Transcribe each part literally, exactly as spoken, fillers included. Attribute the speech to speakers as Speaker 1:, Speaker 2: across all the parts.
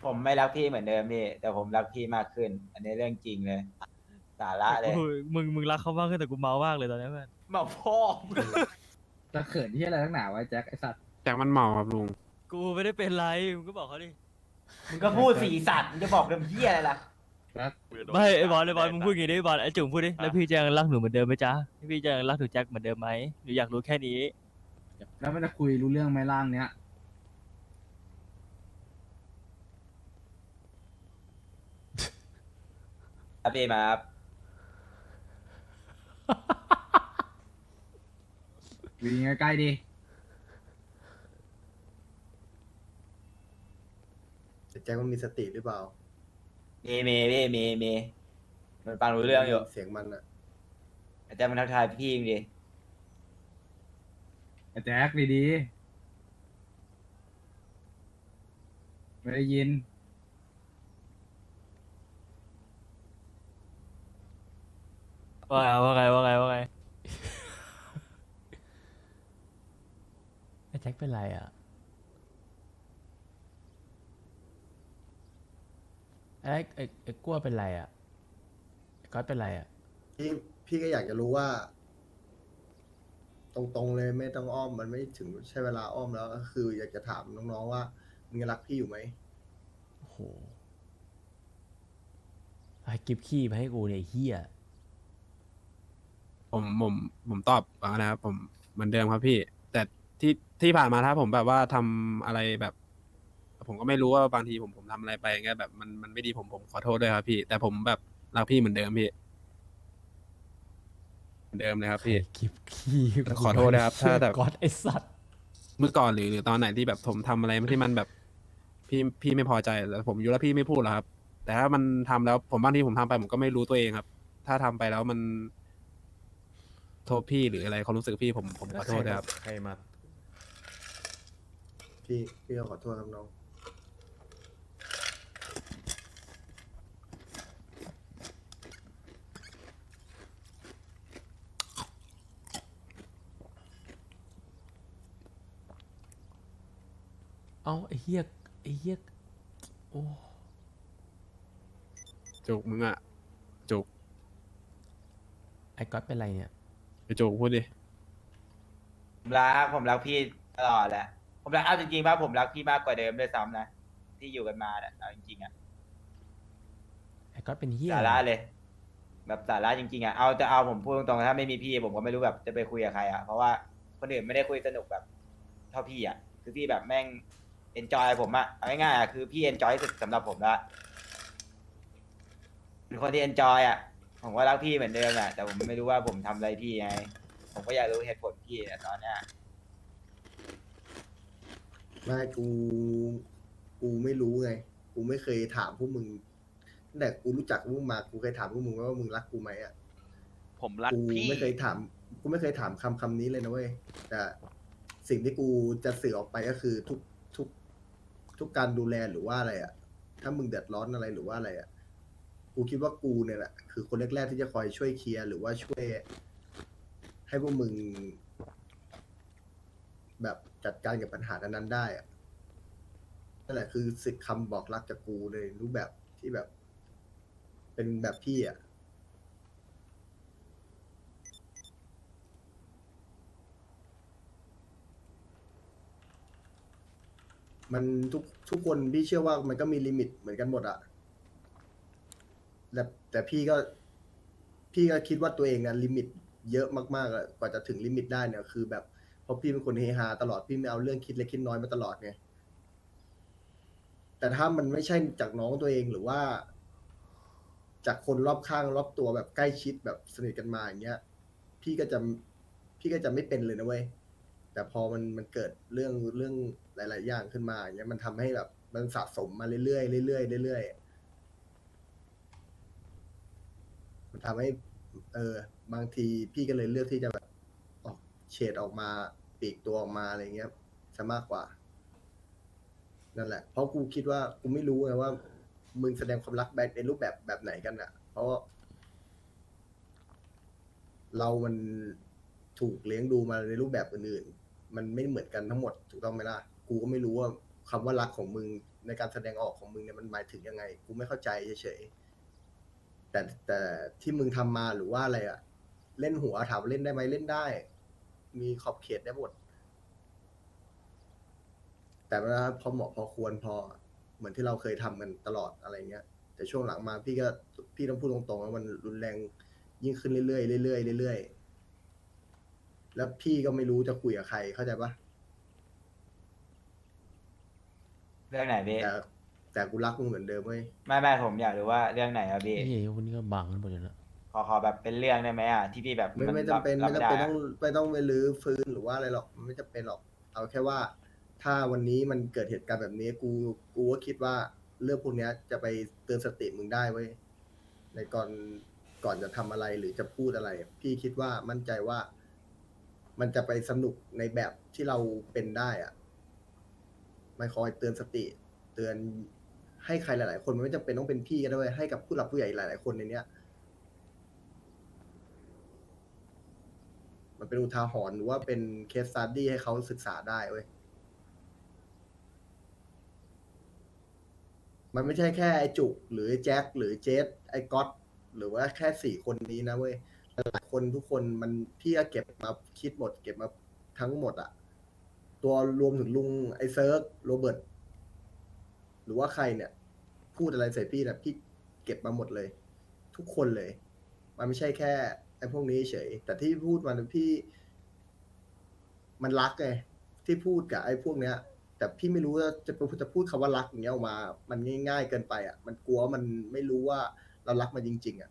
Speaker 1: ผมไม่รักพี่เหมือนเดิมพี่แต่ผมรักพี่มากขึ้นอันนี้เรื่องจริงเลยสาระ
Speaker 2: แต่กู
Speaker 1: เลย
Speaker 2: มึงมึงรักเขามากขึ้นแต่กูเมามากเลยตอนนี้เพื่อน
Speaker 1: มาพ่อมึง
Speaker 3: จะเขินที่อะไรทั้งหนาวะแจ็คไอสัตว์
Speaker 4: แจ็คมันเมาครับลุง
Speaker 2: กูไม่ได้เป็นไรมึงก็บอกเขาดิ
Speaker 1: มึงก็พูดสีสัตว์มึงจะบอกเรื่องเหี้ยอะไรล่ะ
Speaker 3: แล้ว
Speaker 2: ไม่ไอ้บอลไอ้บอลมึงพูดอย่างงี้ดิไอ้บอลไอ้จุ๋มพูดดิแล้วพี่จะยังรักหนูเหมือนเดิมไหมจ๊ะพี่จะยังรักหนูแจ็คเหมือนเดิมไหมหนูอยากรู้แค่นี้
Speaker 3: แล้วมันจะคุยรู้เรื่องไหมร่างเนี้ย
Speaker 1: ครับพี่มาครับ
Speaker 3: อยู่ดีใกล้ๆดิ
Speaker 5: แต่แจ็คมันมีสติหรือเปล่า
Speaker 1: มีมีพี่มีมีมันฟังรู้เรื่องอยู่
Speaker 5: เสียงมันอะ
Speaker 1: อาจารย์มันทักทายพี่จริงดิ
Speaker 3: ไอแจ็คดีๆไม่ได้ยิน
Speaker 2: ว่าไงว่าไงว่าไงว่าไงไอ้แจ็คเป็นไรอ่ะไอ้ไอ้ไอ้กลัวเป็นไรอ่ะไอ้ก๊อตเป็นไรอ่ะ
Speaker 5: พี่พี่ก็อยากจะรู้ว่า ตรงๆเลยไม่ต้องอ้อมมันไม่ถึงใช้เวลาอ้อมแล้วก็คือ อยากจะถามน้องๆว่ามึงยังรักพี่อยู่ไหม
Speaker 2: โอ้โหไอ้กิฟขี้มาให้กูเนี่ยไอ้เฮีย
Speaker 4: ผมผมผมตอบว่านะครับผมเหมือนเดิมครับพี่ แต่ที่ที่ผ่านมาถ้าผมแบบว่าทำอะไรแบบ ผมก็ไม่รู้ว่าบางทีผมผมทำอะไรไปอย่างเงี้ยแบบมันมันไม่ดีผมผมขอโทษด้วยครับพี่ แต่ผมแบบรักพี่เหมือนเดิมพี่เหมือนเดิมเลยครับพี่
Speaker 2: กิฟขี้
Speaker 4: ขอโทษนะครับถ้าแบบ
Speaker 2: ก๊อตไอ้สัตว์
Speaker 4: เมื่อก่อนหรือหรือตอนไหนที่แบบผมทำอะไรที่มันแบบพี่พี่ไม่พอใจแล้วผมอยู่แล้วพี่ไม่พูดหรอกครับ แต่ถ้ามันทำแล้วผมบางทีผมทำไปผมก็ไม่รู้ตัวเองครับ ถ้าทำไปแล้วมันโทษพี่หรืออะไรความรู้สึกพี่ผมผมขอโทษนะครับ
Speaker 6: ใครมา
Speaker 5: พี่พี่ก็ขอโทษครับน้อง
Speaker 2: เอ้าไอ้เฮียไอ้เฮียโอ้
Speaker 4: จุกมึงอะจุก
Speaker 2: ไอ้ก๊อตเป็นไรเนี่ย
Speaker 4: ไอจุกพูดดิ
Speaker 1: ผมรักผมรักพี่ตลอดแหละผมรักเอาจริงๆป่ะผมรักพี่มากกว่าเดิมด้วยซ้ำนะที่อยู่กันมาเนี่ยเอาจริงๆอะ
Speaker 2: ไอ้ก๊อตเป็นเฮีย
Speaker 1: สาระเลย แบบสาระจริงๆอะเอาจะเอาผมพูดตรงๆถ้าไม่มีพี่ผมก็ไม่รู้แบบจะไปคุยกับใครอะเพราะว่าคนอื่นไม่ได้คุยสนุกแบบเท่าพี่อะคือพี่แบบแม่งเอนจอยผมอะเอาง่ายๆอะคือพี่เอนจอยสุดสำหรับผมละเป็นคนที่เอนจอยอะผมก็รักพี่เหมือนเดิมอะแต่ผมไม่รู้ว่าผมทำอะไรพี่ไงผมก็อยากรู้เหตุผลพี่อะตอนเนี้ย
Speaker 5: ไม่กู กูไม่รู้ไง กูไม่เคยถามพวกมึงตั้งแต่กูรู้จักพวกมึงมา กูเคยถามพวกมึงว่ามึงรักกูไหมอ่ะ
Speaker 7: ผมรัก
Speaker 5: กู
Speaker 7: พี่
Speaker 5: ไม่เคยถาม กูไม่เคยถามคำคำนี้เลยนะเว้ย แต่สิ่งที่กูจะสื่อออกไปก็คือทุกทุกทุกการดูแลหรือว่าอะไรอ่ะ ถ้ามึงเดือดร้อนอะไรหรือว่าอะไรอ่ะ กูคิดว่ากูเนี่ยแหละคือคนแรกๆที่จะคอยช่วยเคลียร์หรือว่าช่วย ให้พวกมึง แบบจัดการกับปัญหานั้นๆได้อะนั่นแหละคือสิทธิ์คำบอกรักจากกูในรูปแบบที่แบบ เป็นแบบพี่อ่ะ มันทุกทุกคนพี่เชื่อว่ามันก็มีลิมิตเหมือนกันหมดอะแต่แต่พี่ก็ พี่ก็คิดว่าตัวเองอะลิมิตเยอะมากๆอะกว่าจะถึงลิมิตได้เนี่ยคือแบบเพราะพี่เป็นคนเฮฮาตลอดพี่ไม่เอาเรื่องคิดเล็กคิดน้อยมาตลอดไงแต่ถ้ามันไม่ใช่จากน้องตัวเองหรือว่า จากคนรอบข้างรอบตัวแบบใกล้ชิดแบบสนิทกันมาอย่างเงี้ย พี่ก็จะพี่ก็จะไม่เป็นเลยนะเว้ยแต่พอมันมันเกิดเรื่องเรื่องหลาย ๆ อย่างขึ้นมาอย่างเงี้ยมันทำให้แบบมันสะสมมาเรื่อยๆเรื่อยๆเรื่อยๆมันทำให้ เออบางทีพี่ก็เลยเลือกที่จะแบบออกเฉดออกมาปลีกตัวออกมาอะไรเงี้ยซะมากกว่านั่นแหละเพราะกูคิดว่ากูไม่รู้ไงว่า มึงแสดงความรักแบบในรูปแบบแบบไหนกันอ่ะ เพราะ เรามันถูกเลี้ยงดูมาในรูปแบบอื่นๆ มันไม่เหมือนกันทั้งหมดถูกต้องไหมล่ะ กูก็ไม่รู้ว่าคำว่ารักของมึงในการแสดงออกของมึงเนี่ยมันหมายถึงยังไงกูไม่เข้าใจเฉยๆแต่แต่ที่มึงทำมาหรือว่าอะไรอะเล่นหัวถามว่าเล่นได้ไหมเล่นได้ มีขอบเขตได้หมด แต่ว่าพอเหมาะพอควรพอเหมือนที่เราเคยทำกันตลอดอะไรเงี้ย แต่ช่วงหลังมาพี่ก็พี่ต้องพูดตรงๆว่ามันรุนแรงยิ่งขึ้นเรื่อยๆเรื่อยๆเรื่อยๆแล้วพี่ก็ไม่รู้จะคุยกับใครเข้าใจปะ
Speaker 1: เรื่องไหนพี่
Speaker 5: แต่แต่กูรักมึงเหมือนเดิมเว้ย
Speaker 1: ไม่ไม่ผมอยากรู้ว่าเรื่องไหนอะพี่
Speaker 6: ไอ้เหี้ยคนนี้ก็บังกันหมดเลยนะ
Speaker 1: ขอขอแบบเป็นเรื่องได้ไหมอ่ะที่พี่แบบ
Speaker 5: ไม่
Speaker 1: น
Speaker 5: ไม่จำเป็น
Speaker 1: รับ
Speaker 5: ไม่
Speaker 1: รับ
Speaker 5: จำเป็น
Speaker 1: ด้ะ
Speaker 5: ต้องไม่ต้องไปรื้อฟื้นหรือว่าอะไรหรอกมันไม่จำเป็นหรอก เอาแค่ว่า ถ้าวันนี้มันเกิดเหตุการณ์แบบนี้ กูกูก็คิดว่าเรื่องพวกเนี้ยจะไปเตือนสติมึงได้เว้ยในก่อนก่อนจะทำอะไรหรือจะพูดอะไร พี่คิดว่ามั่นใจว่า มันจะไปสนุกในแบบที่เราเป็นได้อะมันคอยเตือนสติ เตือนให้ใครหลาย ๆ คนมันไม่จำเป็นต้องเป็นพี่ก็ได้เว้ยให้กับผู้หลักผู้ใหญ่หลาย ๆ คนในเนี้ย มันเป็นอุทาหรณ์หรือว่าเป็นเคสสตัดดี้ให้เขาศึกษาได้เว้ย มันไม่ใช่แค่ไอ้จุกหรือไอ้แจ็คหรือเจสไอ้ก๊อตหรือว่าแค่สี่คนนี้นะเว้ยหลายคนทุกคนมันพี่ก็เก็บมาคิดหมด เก็บมาทั้งหมดอะตัวรวมถึงลุงไอ้เซิร์กโรเบิร์ตหรือว่าใครเนี่ย พูดอะไรใส่พี่นะพี่เก็บมาหมดเลย ทุกคนเลย มันไม่ใช่แค่ไอ้พวกนี้เฉยแต่ที่พูดมาพี่ มันรักไงที่พูดกับไอ้พวกเนี้ย แต่พี่ไม่รู้ว่าจะจะพูดคำว่ารักอย่างเงี้ยออกมา มันง่ายๆเกินไปอ่ะ มันกลัวมันไม่รู้ว่าเรารักมันจริง ๆ อ่ะ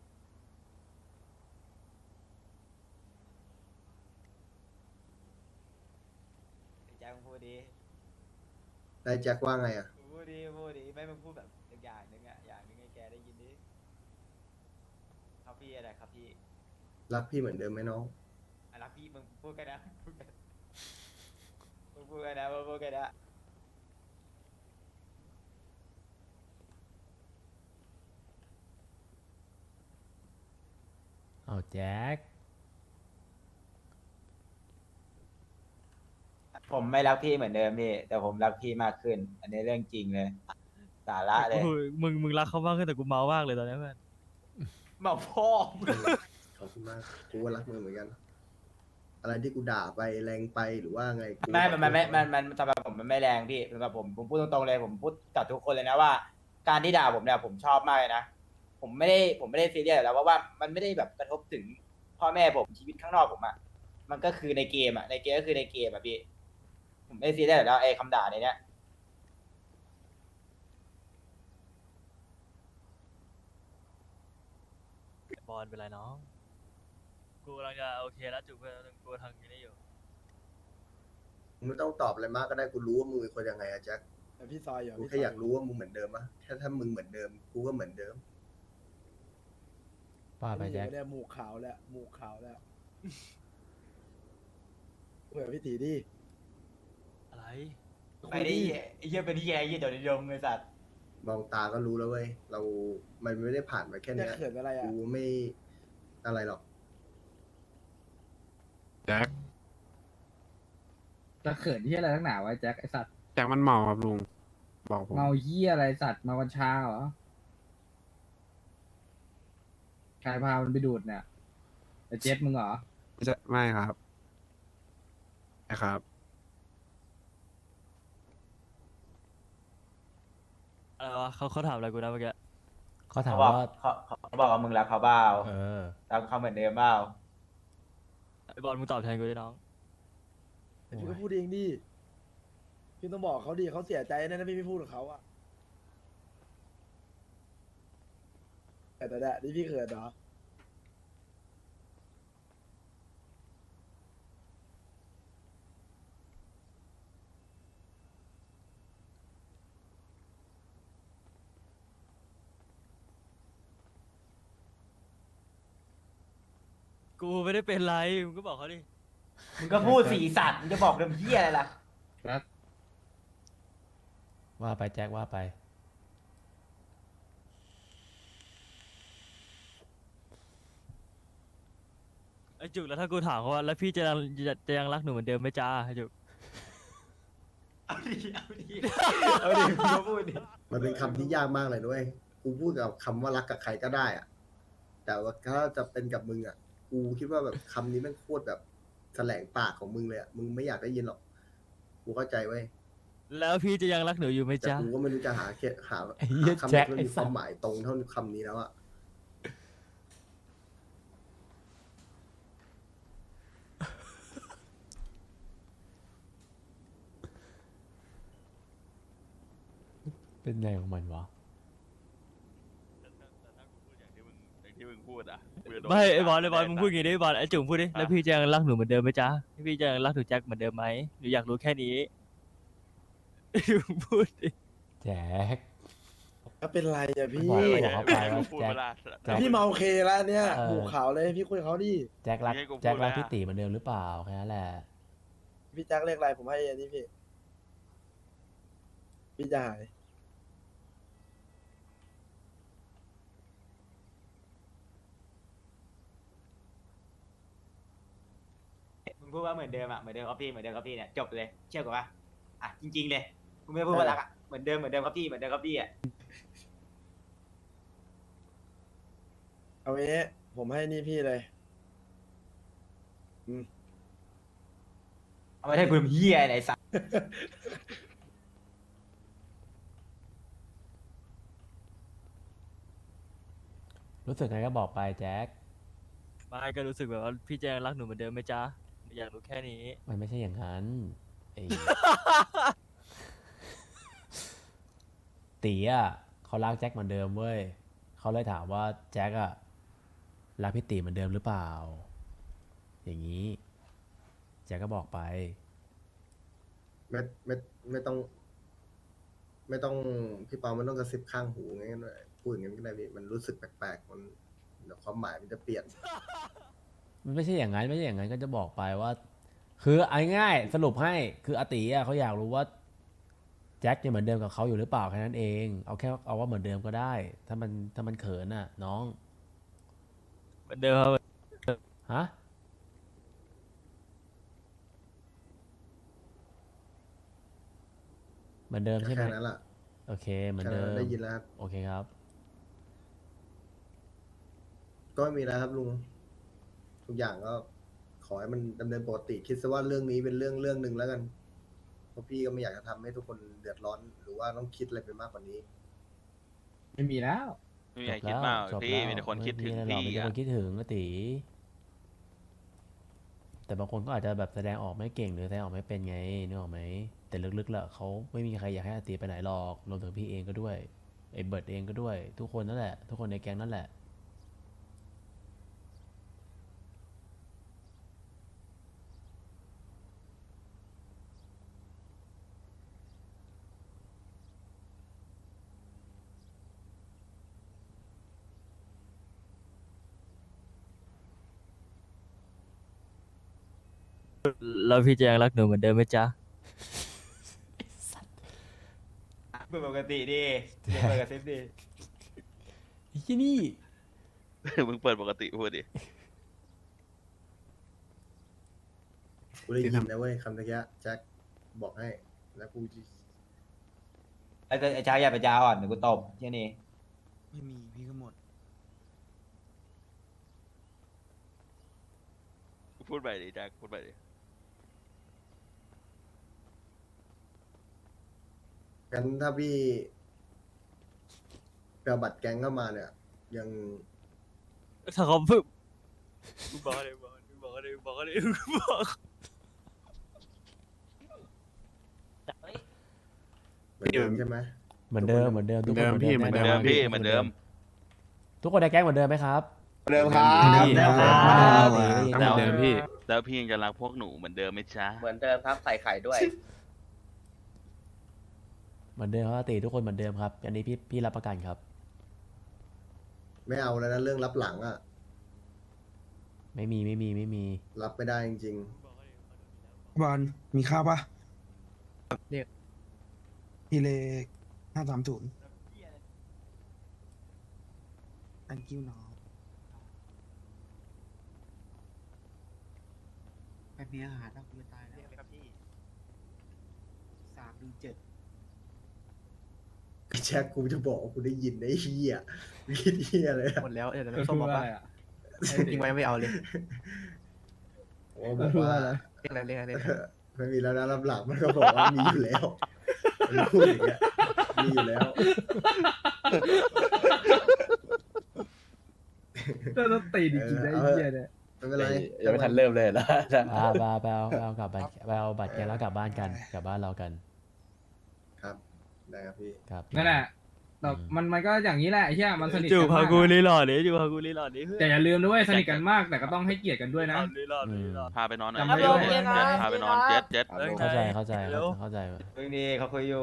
Speaker 1: แจ็คมึงพูดดี
Speaker 5: ได้แจ็คว่าไงอ่ะ
Speaker 1: มึงพูดดีพูดดีไม่มึงพูดแบบอีกอย่างหนึ่งอะอย่างหนึ่งให้แกได้ยินดิครับพี่อะไรครับพี่
Speaker 5: รักพี่เหมือนเดิมไหมน้อง
Speaker 1: อ่ะรักพี่มึงพูดกันนะพูดกันมึงพูดกันนะมึงพูดกันนะ
Speaker 6: เอาแจ็ค
Speaker 1: ผมไม่รักพี่เหมือนเดิมพี่แต่ผมรักพี่มากขึ้น อันนี้เรื่องจริงเลย สาระเลย
Speaker 2: โอ้ยมึงมึงรักเขามากขึ้นแต่กูเมามากเลยตอนนี้เพื่อน
Speaker 1: มาพ่อมึง
Speaker 5: ขอบคุณมาก กูก็รักมึงเหมือนกัน อะไรที่กูด่าไปแรงไปหรือว่าไงกู
Speaker 1: ไม่มันมันไม่มันมันสำหรับผมมันไม่แรงพี่สำหรับผมผมพูดตรงๆเลยผมพูดกับทุกคนเลยนะว่า การที่ด่าผมเนี่ยผมชอบมากเลยนะผมไม่ได้ผมไม่ได้ซีเรียสอยู่แล้วเพราะว่ามันไม่ได้แบบกระทบถึงพ่อแม่ผมชีวิตข้างนอกผมอะมันก็คือในเกมอะในเกมก็คือในเกมอะพี่ผมไม่ได้ซีเรียสอยู่แล้วไอ้คำด่าในเนี้ย
Speaker 2: บอลเป็นไรน้อง กูกำลังจะโอเคแล้วจุกเพื่อนกูทางนี้อยู่
Speaker 5: มึงไม่ต้องตอบอะไรมากก็ได้ กูรู้ว่ามึงเป็นคนยังไงอะแจ็ค
Speaker 7: แต่พี่ซอยอยู่
Speaker 5: กู
Speaker 7: พี่
Speaker 5: แค่
Speaker 7: ซ
Speaker 5: อยากรู้ว่ามึงเหมือนเดิมปะแค่ถ้ามึงเหมือนเดิม กูก็เหมือนเดิม
Speaker 6: ว่าไปแจ็ค
Speaker 7: เนี่ยหมูขาวแล้วหมูขาวแล้วคุยกับพี่ตีดิ
Speaker 2: อะไร
Speaker 1: ไปดิไอ้เหี้ยเป็นที่ไอ้เหี้ยเดี๋ยวนิยมไอ้สัตว์
Speaker 5: มองตาก็รู้แล้วเว้ย เรา มันไม่ได้ผ่านมาแค่
Speaker 7: เนี่ย
Speaker 5: เนี้ย
Speaker 7: เขินอะไรอ่ะ
Speaker 5: กูไม่อะไรหรอก
Speaker 4: แจ็ค
Speaker 3: จะเขินที่อะไรทั้งหนาวะแจ็คไอสัตว์
Speaker 4: แจ็คมันเมาครับลุง บอกผม
Speaker 3: เมาเหี้ยอะไรสัตว์มาวันชาเหรอใครพามันไปดูดเนี่ยไอเจ็ดมึงเหรอ
Speaker 4: ไม่ใช่ไม่ครับนะครับ
Speaker 2: อะไรวะเขาเขาถามอะไรกูนะเมื่อกี้
Speaker 6: เขาถาม
Speaker 1: เขาบอก
Speaker 6: ว่า
Speaker 1: เขาเขาบอกว่ามึงรักเขาเปล่า
Speaker 6: เออ
Speaker 1: รักเขาเหมือนเดิมเปล่า
Speaker 2: ไอ้บอลมึงตอบแทนกูดิน้อง
Speaker 7: แต่พี่ก็พูดเองดิพี่ต้องบอกเขาดิเขาเสียใจแน่ๆพี่ไม่พูดกับเขาอ่ะแต่แต่แต่นี่พี่เขินเหรอ
Speaker 2: กูไม่ได้เป็นไรมึงก็บอกเขาดิ
Speaker 1: มึงก็พูดสีสัตว์มึงจะบอกเรื่องเหี้ยอะไรล่ะ
Speaker 6: ว่าไปแจ็คว่าไป
Speaker 2: ไอ้จุกแล้วถ้ากูถามเขาว่าแล้วพี่จะยังจะจะยังรักหนูเหมือนเดิมไหมจ้าไอ้จุก
Speaker 1: เอาดิเอาดิเอาดิมึงก็พูดดิ
Speaker 5: มันเป็นคำที่ยากมากเลยด้วยกูพูดกับคำว่ารักกับใครก็ได้อะแต่ว่าถ้าจะเป็นกับมึงอ่ะ กูคิดว่าแบบคำนี้แม่งโคตรแบบแถลงปากของมึงเลยอ่ะ มึงไม่อยากได้ยินหรอก กูเข้าใจเว้ย
Speaker 2: แล้วพี่จะยังรักหนูอยู่ไหม
Speaker 5: แต่
Speaker 2: จ๊ะ
Speaker 5: กูก็ไม่รู้จะหาเคหา
Speaker 6: ไอ้เหี้ย
Speaker 5: หาคำไห
Speaker 6: แจ็
Speaker 5: น
Speaker 6: ค
Speaker 5: ที่มัน
Speaker 6: ไอ้
Speaker 5: มีค
Speaker 6: สั
Speaker 5: วา
Speaker 6: ส
Speaker 5: มหมายตรงเท่าคำนี้แล้วอ่ะ
Speaker 6: เป็นไงของมันวะ
Speaker 8: ที่มึงพูดอ่ะ
Speaker 2: ไม่ไอ้บอลไอ้บอลมึงพูดอย่างงี้ดิบอลไอ้จุ๋มพูดดิแล้วพี่จะยังรักหนูเหมือนเดิมไหมจ๊ะพี่จะยังรักหนูแจ็คเหมือนเดิมไหมหนูอยากรู้แค่นี้ มึงพูดดิ
Speaker 6: แจ็ค
Speaker 7: ก็เป็นไรอะพี่
Speaker 6: บอกบอกเขาไปว่า
Speaker 8: พูด
Speaker 6: แจ็ค
Speaker 8: เวลา
Speaker 6: แจ็ค
Speaker 7: พี่เมาโอเคแล้วเนี่ย
Speaker 6: เออ
Speaker 7: หูขาวเลยพี่คุยกับเขาดิ
Speaker 6: แจ็ครัก
Speaker 8: ให้กูพูด
Speaker 6: แจ็ครัก
Speaker 8: แล้ว
Speaker 6: พี่ตีเหมือนเดิมหรือเปล่าแค่นั้นแหละ
Speaker 7: พี่แจ็คเรียกอะไรผมให้อันนี้พี่ พี่จะหาย
Speaker 1: มึงพูดว่าเหมือนเดิมอ่ะเหมือนเดิมครับพี่เหมือนเดิมครับพี่เนี่ยจบเลยเชื่อกูปะอ่ะจริงๆเลยมึงไม่พูดว่ารักอ่ะเหมือนเดิมเหมือนเดิมครับพี่เหมือนเดิมครับพี่อ่ะ
Speaker 7: เอาไว้ผมให้นี่พี่เลย
Speaker 1: เอาไม่ได้พูดเฮียไหนสัส
Speaker 6: รู้สึกไงก็บอกไปแจ็ค
Speaker 2: ไม่ก็รู้สึกแบบว่าพี่จะยังรักหนูเหมือนเดิมไหมจ๊ะหนูอยากรู้แค่นี้
Speaker 6: มันไม่ใช่อย่างนั้นไอ้ ตีอ่ะเขารักแจ็คเหมือนเดิมเว้ยเขาเลยถามว่าแจ็คอ่ะรักพี่ตีเหมือนเดิมหรือเปล่า อย่างนี้ แจ็คก็บอกไป
Speaker 5: ไม่ไม่ไม่ต้อง ไม่ต้องพี่เปาไม่ต้องกระซิบข้างหูงั้นเลยพูดอย่างนั้นก็ได้พี่มันรู้สึกแปลกๆมันเดี๋ยวความหมายมันจะเปลี่ยน
Speaker 6: มันไม่ใช่อย่างนั้นไม่ใช่อย่างนั้นก็จะบอกไปว่า คือเอาง่ายๆสรุปให้คืออาติอ่ะเขาอยากรู้ว่าแจ็คยังเหมือนเดิมกับเขาอยู่หรือเปล่าแค่นั้นเองเอาแค่เอาว่าเหมือนเดิมก็ได้ ถ้ามันถ้ามันเขินอ่ะ น้อง
Speaker 2: เหมือนเดิมครับ
Speaker 6: ฮะเหมือนเดิมใช่ไหม
Speaker 5: แค่นั้นแหละ
Speaker 6: โอเคเหมือน
Speaker 5: แค่
Speaker 6: เดิ
Speaker 5: นั้น
Speaker 6: ม
Speaker 5: ได้ยินแล้วครับ
Speaker 6: โอเคครับ
Speaker 5: ก็ไม่มีแล้วครับลุง ทุกอย่างก็ขอให้มันดำเนินปกติ คิดซะว่าเรื่องนี้เป็นเรื่องเรื่องหนึ่งแล้วกัน เพราะพี่ก็ไม่อยากจะทำให้ทุกคนเดือดร้อน หรือว่าต้องคิดอะไรไปมากกว่านี้
Speaker 3: ไม่มีแล้ว
Speaker 8: ไม่มี
Speaker 6: จ
Speaker 8: ใคร
Speaker 6: บ
Speaker 8: คิด
Speaker 6: แล้ว
Speaker 8: มาก
Speaker 6: จบ
Speaker 8: พี่
Speaker 6: แล้ว
Speaker 8: มีแต่คนคิดถึง
Speaker 6: ไม่มีอะไรหรอกมีแต่
Speaker 8: พี่อ่ะ
Speaker 6: คนคิดถึงอาติแต่บางคนก็อาจจะแบบแสดงออกไม่เก่งหรือแสดงออกไม่เป็นไงนึกออกไหมแต่ลึกๆแล้วเขาไม่มีใครอยากให้อาติไปไหนหรอกรวมถึงพี่เองก็ด้วยไอ้เบิร์ดเองก็ด้วย ทุกคนนั่นแหละ ทุกคนในแก๊งนั่นแหละ
Speaker 2: แล้วพี่จะยังรักหนูเหมือนเดิมไหมจ๊ะ
Speaker 1: เปิดปกติดิอย่าเปิดกระซิบดิ
Speaker 6: ไอ้ที่นี่
Speaker 8: มึงเปิดปกติพูดดิ
Speaker 5: กูได้ยินนะเว้ยคำตะกี้แจ็คบอกให้ แล้วกูจะ
Speaker 1: ไอ้ไอ้ชายอย่าไปจ้าอ่อนเดี๋ยวกูตบแค่นี้
Speaker 9: ไม่มีพี่ก็หมด
Speaker 8: พูดไปดิแจ็คพูดไปดิ
Speaker 5: งั้นถ้าพี่ไปเอาบัตรแก๊งเข้ามาเนี่ย ยัง
Speaker 2: ถ้าเขาพึ่งบอกเลยบอกเลยบอกเลยบอกเลยบอก
Speaker 5: เหมือนเดิมใช่ไหม
Speaker 6: เหมือนเดิมเหมือนเดิมทุกคน
Speaker 4: เหมือนเดิมพี่เหมือนเดิ
Speaker 8: เดิ
Speaker 6: แ
Speaker 8: มพี่เหมือนเดิม
Speaker 6: ทุกคนในแก๊งเหมือนเดิมไหมครับ
Speaker 5: เดิมครับ
Speaker 4: พี่
Speaker 6: เหมือนเดิม
Speaker 4: เหมือนเดิม
Speaker 6: เหมือนเดิม
Speaker 4: เหมือนเดิมพี่
Speaker 8: แล้วพี่ยังจะรักพวกหนูเหมือนเดิมไหมจ๊ะ
Speaker 10: เหมือนเดิมครับใส่ไข่ด้วย
Speaker 6: เหมือนเดิมครับอาติทุกคนเหมือนเดิมครับ อันนี้พี่พี่รับประกันครับ
Speaker 5: ไม่เอาแล้วนะเรื่องรับหลังอะ
Speaker 6: ไม่มีไม่มีไม่มี
Speaker 5: รับไม่ได้จริง
Speaker 9: บอลมีข้าวปะ
Speaker 3: เรียก
Speaker 9: พี่เลขห้าสามศูนย์อันกิ้วน้อง
Speaker 10: ไม่มีอาหารแล้วกูจะตายแล้วสาม
Speaker 9: เจ็ด
Speaker 5: ไอ้แจ็คกูจะบอกว่ากูได้ยินไอ้เฮียมีเฮียเลยอะ
Speaker 3: หมดแล้วเดี๋ยวน้ำส้มมาปะทิ้งไว้ไม่เอาเลย
Speaker 5: โอ้บอกว่า
Speaker 3: เรียกอะไรเรียกอะไร
Speaker 5: ไม่มีแล้วนะรับหลังมันก็บอกว่ามีอยู่แล้วมันพูดอย่างเงี้ยมีอยู่แล้ว
Speaker 3: ก็ต้องตีจริงๆได้ไอ้เหี้ยเนี่ย
Speaker 5: ไม่เป็นไร
Speaker 1: ยังไม่ทันเริ่มเลยนะ
Speaker 6: อ่าไปไปเอาไปเอากลับบัตรไปเอาบัตรแกแล้วกลับบ้านกันกลับบ้านเรากัน
Speaker 5: ครับได้ครับพี่
Speaker 6: ครับ
Speaker 3: นั่นแหละแต่มันมันก็อย่างนี้แหละไอ้เหี้ยมันสนิท
Speaker 2: จู
Speaker 3: กัน
Speaker 2: พาม
Speaker 3: าก
Speaker 2: กู
Speaker 3: อะ
Speaker 2: รีหลอดดิจูพากูรีหลอดดิเพื่อน
Speaker 3: แต่อย่าลืมด้วยสนิทกันมากแต่ก็ต้องให้เกียรติกันด้วยนะ
Speaker 2: รีหลอด
Speaker 6: อื
Speaker 2: รี
Speaker 6: ม
Speaker 2: หลอด
Speaker 8: พาไปนอนหน่อย
Speaker 3: จำไม่ได้
Speaker 8: เจ็ดเจ็ดพาไปนอนเจ็ดเจ็ด
Speaker 2: เอ้ย
Speaker 6: เข้าใจเข้าใจ
Speaker 2: เร็ว
Speaker 6: เข้าใจ
Speaker 1: เรื่องนี้เขาคุยอยู่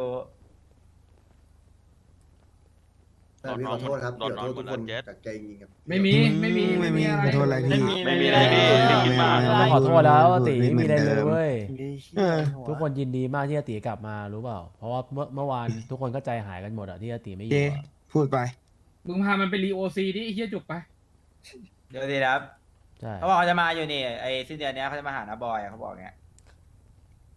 Speaker 5: แต่พี่ขอโทษครับ
Speaker 8: นอน
Speaker 5: เดี๋ยวน
Speaker 8: อน
Speaker 5: โทษ
Speaker 8: หม
Speaker 5: ทุ
Speaker 8: ด
Speaker 5: ก
Speaker 8: แล้
Speaker 5: ค
Speaker 8: วน เจ็ด
Speaker 5: จากใจจริงๆครับ
Speaker 3: ไม่มีไม่มี
Speaker 9: ไม่มี
Speaker 3: อะไร
Speaker 9: ขอโทษอะไรพี่
Speaker 8: ไม่มีอะไรพี่พี่คิดมาก
Speaker 6: ต้องขอโทษแล้วอาติไม่มีอะไรเลยเว้ย
Speaker 9: เออ
Speaker 6: ทุกคนยินดีมากที่อาติกลับมารู้เปล่า เพราะว่าเมื่อเมื่อวานทุกคนก็ใจหายกันหมดอะที่อาติไม่อ
Speaker 9: เจ
Speaker 6: ยู่อะ
Speaker 9: พูดไป
Speaker 3: มึงพามันไปรีโอซีดิไอ้เหี้ยจุกไป
Speaker 1: เดี๋ยวดีนะครับ
Speaker 6: ใช่
Speaker 1: เขาบอกเขาจะมาอยู่นี่ไอ้สิ้นเดือนเนี้ยเขาจะมาหาน้าบอยอะเขาบอกเงี้ย